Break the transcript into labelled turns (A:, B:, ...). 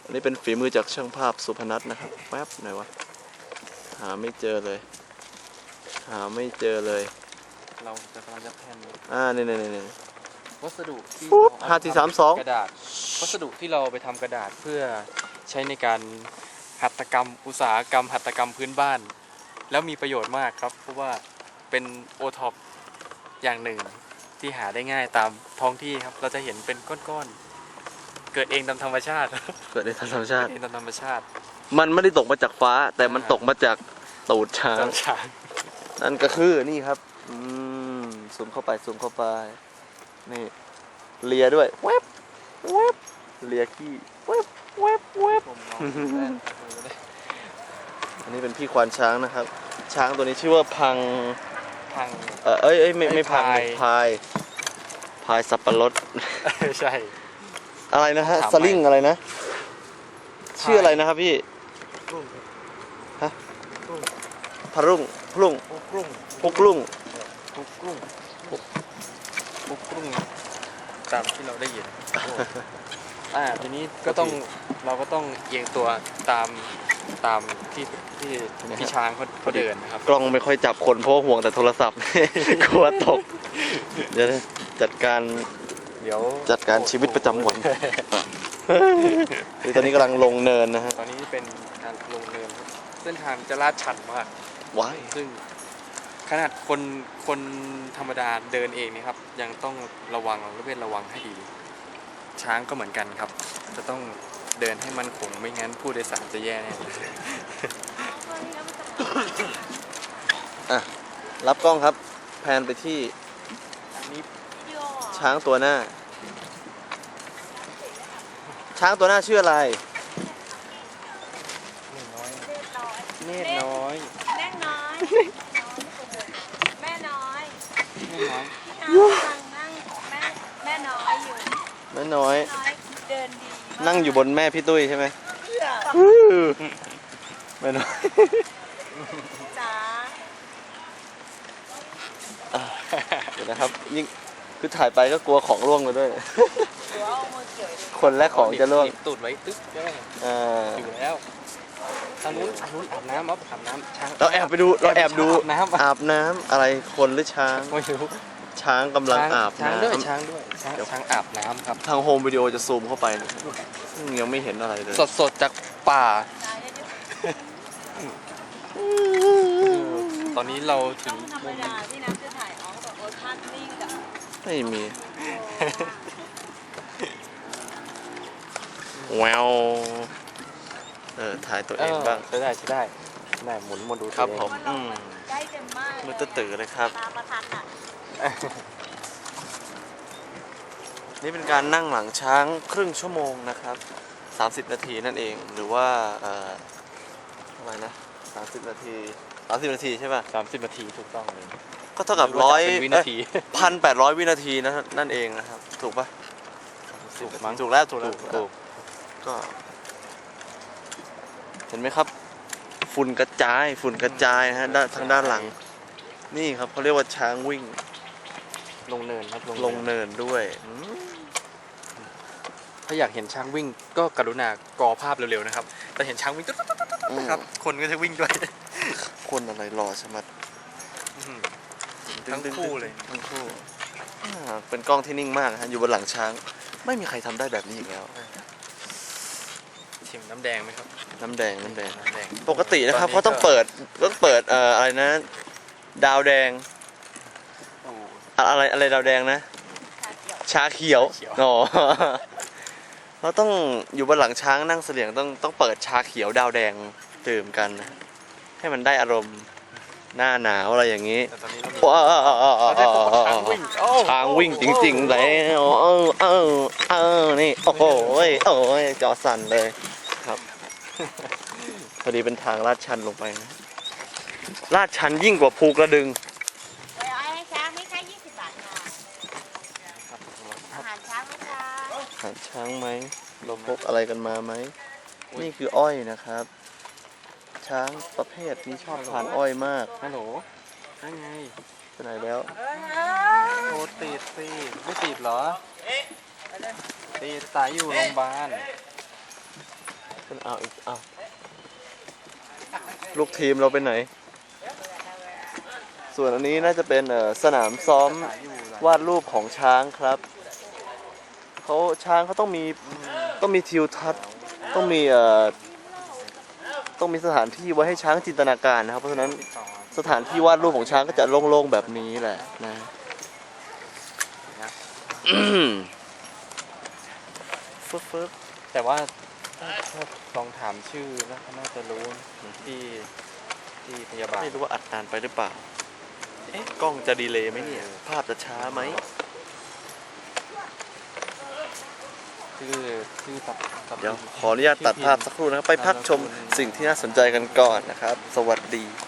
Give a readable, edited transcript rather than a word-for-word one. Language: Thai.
A: อันนี้เป็นฝีมือจากช่างภาพสุพนัทนะครับแป๊บไหนวะหาไม่เจอเลย
B: เราจะกำลังจะแผ่น
A: นี่
B: วัสดุที่
A: 5 4 3 2
B: กระดาษวัสดุที่เราไปทำกระดาษเพื่อใช้ในการหัตถกรรมอุตสาหกรรมหัตถกรรมพื้นบ้าน แล้วมีประโยชน์มากครับเพราะว่าเป็นโอท็อปอย่างหนึ่งที่หาได้ง่ายตามท้องที่ครับเราจะเห็นเป็นก้อนๆเกิดเองตามธรรมชาติ
A: มันไม่ได้ตกมาจากฟ้าแต่มันตกมาจากตูดช้างนั่นก็คือนี่ครับซูมเข้าไปนี่เลียด้วยแวบเลียขี้แวบอันนี้เป็นพี่ควานช้างนะครับช้างตัวนี้ชื่อว่าพังไม่พังพายสับปะรด
B: ใช่
A: อะไรนะฮะสลิงอะไรนะชื่ออะไรนะครับพี่ฮะพรุ่ง
B: ตามที่เราได้ยินทีนี้เราก็ต้องเอียงตัวตามที่ช้างเขาเดินนะครับ
A: กล้องไม่ค่อยจับคนเพราะห่วงแต่โทรศัพท์กลัวตกเดี๋ยวจัดการชีวิตประจำวันตอนนี้กำลังลงเนินนะฮะ
B: ตอนนี้เป็นการลงเนินเส้นทางจะลาดชันมากซึ่งขนาดคนธรรมดาเดินเองนี่ครับยังต้องระวังให้ดีช้างก็เหมือนกันครับจะต้องเดินให้มั่นคงไม่งั้นผู้โดยสารจะแย่แน่
A: รับกล้องครับแพนไปที่ช้างตัวหน้าชื่ออะไร
B: เนตรน้อย
C: แม่น้อยแม่น้อยเดินดี
A: นั่งอยู่บนแม่พี่ตุ้ยใช่ไหมแม่น้อย
C: จ๋า
A: เดี๋ยวนะครับยิ่งคือถ่ายไปก็กลัวของร่วงไปด้วยคนและของจะร่วง
B: ตูดไว้ตึ๊กอยู่แล้วทางนู้นอาบน้ำช้าง
A: เราแอบดูอาบน้ำอะไรคนหรือช้าง
B: ไม่รู้
A: ช้างกำลังอาบน้
B: ำช้างอาบน้ำครับ
A: ทางโฮมวิดีโอจะซูมเข้าไปยังไม่เห็นอะไรเลย
B: สดจากป่าตอนนี้เราถึง
C: ธรรมดาที่น้ำจะถ่ายออกแบบโอ๊ตภาพนิ่งกับ
A: ไม่มีแววถ่ายตัวเองบ้าง
B: ใช่ได้หมุนมาดู
A: ครับผม
C: ใกล้กันมาก
A: มือตื่นเลยครับ
C: ตาประทันอ่ะ
A: นี่เป็นการนั่งหลังช้างครึ่งชั่วโมงนะครับ30 นาทีนั่นเองหรือว่าอะไรนะ30 นาทีใช่ป่ะ
B: 30 นาทีถูกต้องเลย
A: ก็เท่ากับ100 วินาที1,800 วินาทีนั่นเองนะครับถูกป่ะถูกแล้วก็เห็นไหมครับฝุ่นกระจายฮะทางด้านหลังนี่ครับเขาเรียกว่าช้างวิ่ง
B: ลงเนินครับ
A: ลงเนินด้วย
B: ถ้าอยากเห็นช้างวิ่งก็กรุณากอภาพเร็วๆนะครับแต่เห็นช้างวิ่งครับคนก็จะวิ่งด้วย
A: คนอะไรรอใช่ไหม
B: ทั้งคู่เลย
A: เป็นกล้องที่นิ่งมากฮะอยู่บนหลังช้างไม่มีใครทำได้แบบนี้อีกแล้ว
B: ชิมน้ำแดงไหมครับ
A: น้ำแดงปกตินะครับเขาต้องเปิดอะไรนะดาวแดงอะไรดาวแดงนะชาเขียวเราต้องอยู่บนหลังช้างนั่งเสลี่ยงต้องเปิดชาเขียวดาวแดงดื่มกันให้มันได้อารมณ์หน้าหนาวอะไรอย่างนี้ช้างวิ่งจริงๆเลยนี่โอ้โหจอสั่นเลยครับพอดีเป็นทางลาดชันลงไปนะลาดชันยิ่งกว่าภูกระดึง
C: ให้ช้างไม่ใช่20 บาทค่ะอาหารช้างไหมคะ
A: อาหารช้างไหมเราพกอะไรกันมาไหมนี่คืออ้อยนะครับช้างประเภทนี้ชอบทานอ้อยมาก
B: ฮัลโหลนั่นไง
A: ไปไหนแล้ว
B: โทรติดสิไม่ติดเหรอติดสายอยู่โรงพยาบาล
A: เอาลูกทีมเราไปไหน ส่วนอันนี้น่าจะเป็นสนามซ้อมวาดรูปของช้างครับช้างเขาต้องมีทิวทัศน์ต้องมีสถานที่ไว้ให้ช้างจินตนาการนะครับ เพราะฉะนั้นสถานที่วาดรูปของช้างก็จะโล่งๆแบบนี้แหละนะ ฟึบ
B: แต่ว่าถ้าลองถามชื่อแล้วน่าจะรู้ที่พยาบาล
A: ไม่รู้ว่าอัดนานไปหรือเปล่า กล้องจะดีเลย์ไหมเนี่ย ภาพจะช้าไหม
B: ชื่อตัด
A: เดี๋ยวขออนุญาตตัดภาพสักครู่นะครับ ไปพักชมสิ่งที่น่าสนใจกันก่อนนะครับ สวัสดี